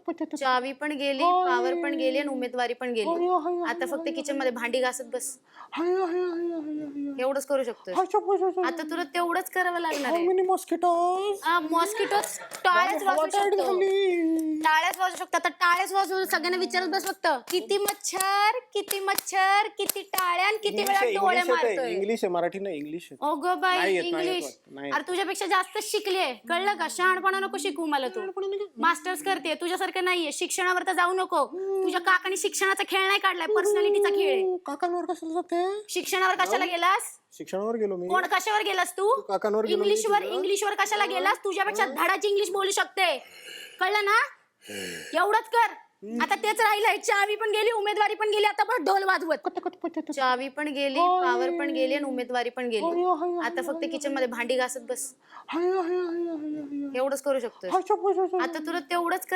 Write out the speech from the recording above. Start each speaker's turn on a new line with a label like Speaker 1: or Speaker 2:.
Speaker 1: चावी पण गेली, पावर पण गेली आणि उमेदवारी पण गेली. आता फक्त किचन मध्ये भांडी घासत बस. एवढंच करू शकतोय. आता तुला तेवढंच करावं लागणार आहे. मॉस्किटो टाळ्याच वाजवू शकतो. टाळ्याच वाजवू शकतो. आता टाळ्याच वाजवू सगळ्यांना विचारत बस फक्त किती मच्छर, किती मच्छर, किती टाळ्या, किती वेळा डोळे मारतोय.
Speaker 2: इंग्लिश आहे, मराठी नाही. इंग्लिश आहे.
Speaker 1: ओगो बाई
Speaker 2: नाही येत,
Speaker 1: इंग्लिश.
Speaker 2: नाही येत.
Speaker 1: अरे तुझ्यापेक्षा जास्त शिकलीये, कळलं का? शहाणपणा नको शिकू मला तू. मास्टर्स करते, तुझ्यासारखं नाहीये. शिक्षणावर तर जाऊ नको. तुझ्या काकाने शिक्षणाचा खेळ नाही काढलाय, पर्सनॅलिटीचा खेळ आहे.
Speaker 2: काकांवर कशाला जाते?
Speaker 1: शिक्षणावर कशाला गेलास?
Speaker 2: शिक्षणावर गेलो मी.
Speaker 1: कोण कशावर गेलास तू?
Speaker 2: काकांवर गेलो मी.
Speaker 1: इंग्लिशवर कशाला गेलास? तुझ्यापेक्षा धडाची इंग्लिश बोलू शकते, कळलं ना? एवढंच कर. आता तेच राहिलंय. चावी पण गेली, उमेदवारी पण गेली. आता पण ढोल वाजवत. चावी पण गेली, पावर पण गेली आणि उमेदवारी पण गेली. आता फक्त किचन मध्ये भांडी घासत बस. एवढंच करू शकतोय. आता तुला तेवढंच